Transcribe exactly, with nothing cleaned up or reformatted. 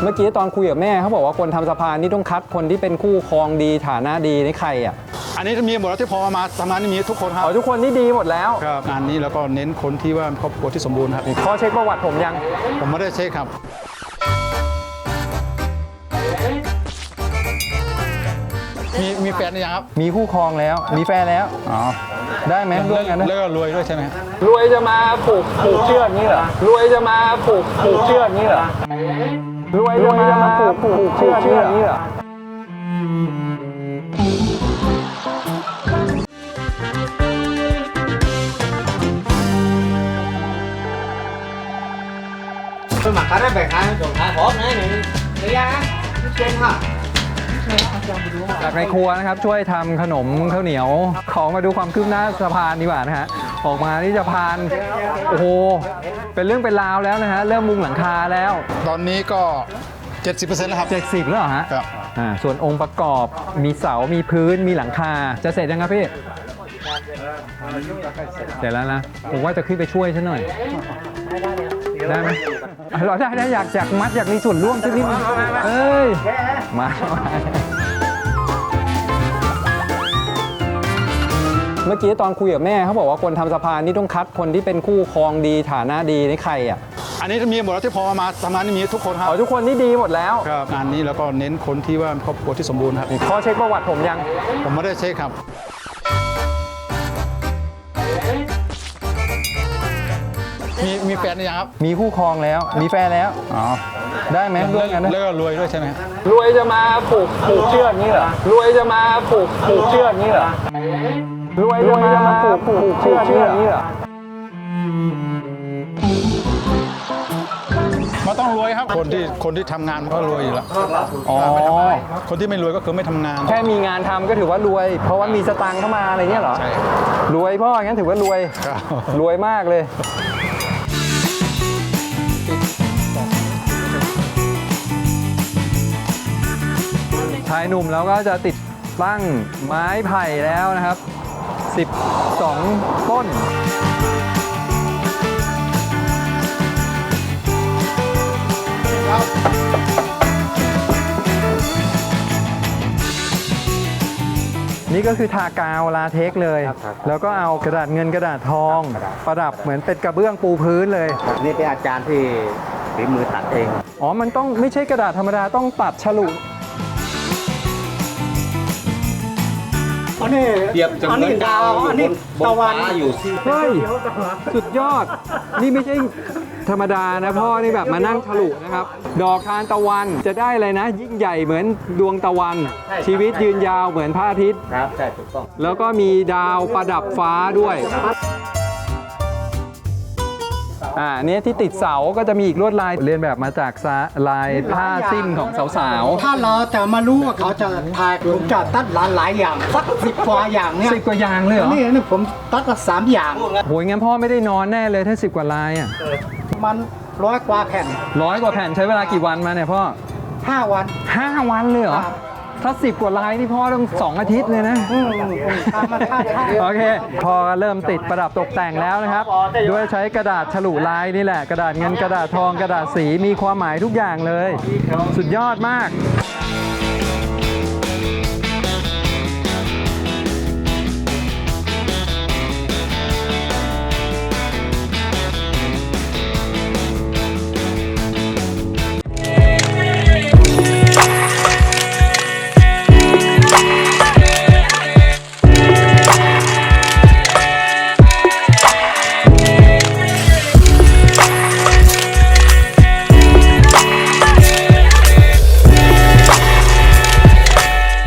เมื่อกี้ตอนคุยกับแม่เขาบอกว่าคนทำสะพานนี่ต้องคัดคนที่เป็นคู่ครองดีฐานะดีนี่ใครอ่ะอันนี้มีหมดแล้วที่พอมาทำงานนี่มีทุกคนครับอ๋อทุกคนนี่ดีหมดแล้วครับงานนี้แล้วก็เน้นคนที่ว่าครอบครัวที่สมบูรณ์ครับข้อเช็คประวัติผมยังผมไม่ได้เช็คครับมีมีแฟนหรือยังครับมีคู่ครองแล้วมีแฟนแล้วอ๋อได้ไหมรวยกันนะแล้วก็รวยด้วยใช่ไหมรวยจะมาผูกผูกเชือกนี่เหรอรวยจะมาผูกผูกเชือกนี่เหรอรวยจะมาผูกผูกเชือกนี่เหรอ tôi mặc cái đó về khai còn khai hốt nữa này đi ra trên hả จากในครัวนะครับช่วยทำขนมข้าวเหนียวของมาดูความคืบหน้าสะพานดีกว่านะฮะออกมาที่สะพานโอ้โหเป็นเรื่องเป็นราวแล้วนะฮะเริ่มมุงหลังคาแล้วตอนนี้ก็ เจ็ดสิบเปอร์เซ็นต์ แล้วครับเจ็ดสิบแล้วเหรอฮะครับอ่าส่วนองค์ประกอบมีเสามีพื้นมีหลังคาจะเสร็จยังครับพี่เสร็จแล้วนะผมว่าจะขึ้นไปช่วยฉันหน่อยได้ไหมเราได้ได้อยากอยากมัดอยากมีส่วนร่วมสักนิดนึงเอ้ยมาเมื่อกี้ตอนคุยกับแม่เขาบอกว่าคนทำสะพานนี่ต้องคัดคนที่เป็นคู่ครองดีฐานะดีนี่ใครอ่ะอันนี้มีหมดแล้วที่พอมาทำงานนี่มีทุกคนครับอ๋อทุกคนนี่ดีหมดแล้วครับงานนี้แล้วก็เน้นคนที่ว่าครอบครัวที่สมบูรณ์ครับข้อเช็คประวัติผมยังผมไม่ได้เช็คครับมีมีแฟนหรือยังครับมีคู่ครองแล้วมีแฟนแล้วอ๋อได้ไหมรวยกันนะแล้วก็รวยด้วยใช่ไหมรวยจะมาผูกผูกเชือกนี่เหรอรวยจะมาผูกผูกเชือกนี่เหรอรวยจะมาผูกผูกเชือกนี่เหรอมันต้องรวยครับคนที่คนที่ทำงานมันก็รวยอยู่แล้วอ๋อคนที่ไม่รวยก็คือไม่ทำงานแค่มีงานทำก็ถือว่ารวยเพราะว่ามีสตางค์เข้ามาอะไรเงี้ยเหรอใช่รวยพ่องั้นถือว่ารวยรวยมากเลยชายหนุ่มแล้วก็จะติดตั้งไม้ไผ่แล้วนะครับสิบสองต้นนี่ก็คือทากาวลาเทคเลยแล้วก็เอากระดาษเงินกระดาษทองประดับเหมือนเป็นกระเบื้องปูพื้นเลยนี่เป็นอาจารย์ที่ฝีมือตัดเองอ๋อมันต้องไม่ใช่กระดาษธรรมดาต้องตัดฉลุอันนี้เดียบอันนี้ดาวอันนี้ตะวันอยู่เฮ้ยสุดยอดนี่ไม่ใช่ธรรมดานะพ่อนี่แบบมานั่งฉลุนะครับดอกทานตะวันจะได้อะไรนะยิ่งใหญ่เหมือนดวงตะวันชีวิตยืนยาวเหมือนพระอาทิตย์ครับใช่ถูกต้องแล้วก็มีดาวประดับฟ้าด้วยอ่านี้ที่ติดเสาก็จะมีอีกลวดลายเรียนแบบมาจากลายผ้าสิ้นของสาวๆถ้าเราแต่มารู้ว่าเขาจะทายผมจะตัดหลายหลายอย่างสักสิบกว่าอย่างเนี่ยสิบกว่าอย่างเลยเหรอนี่นี่ผมตัดละสามอย่างโหยงั้นพ่อไม่ได้นอนแน่เลยถ้าสิบกว่าลายอ่ะมันร้อยกว่าแผ่นร้อยกว่าแผ่นใช้เวลากี่วันมาเนี่ยพ่อห้าวันห้าวันเลยเหรอถ้าสิบกว่าลายนี่พ่อต้องสองอาทิตย์เลยนะโอเคพอเริ่มติดประดับตกแต่งแล้วนะครับด้วยใช้กระดาษฉลุลายนี่แหละกระดาษเงินกระดาษทองกระดาษสีมีความหมายทุกอย่างเลยสุดยอดมาก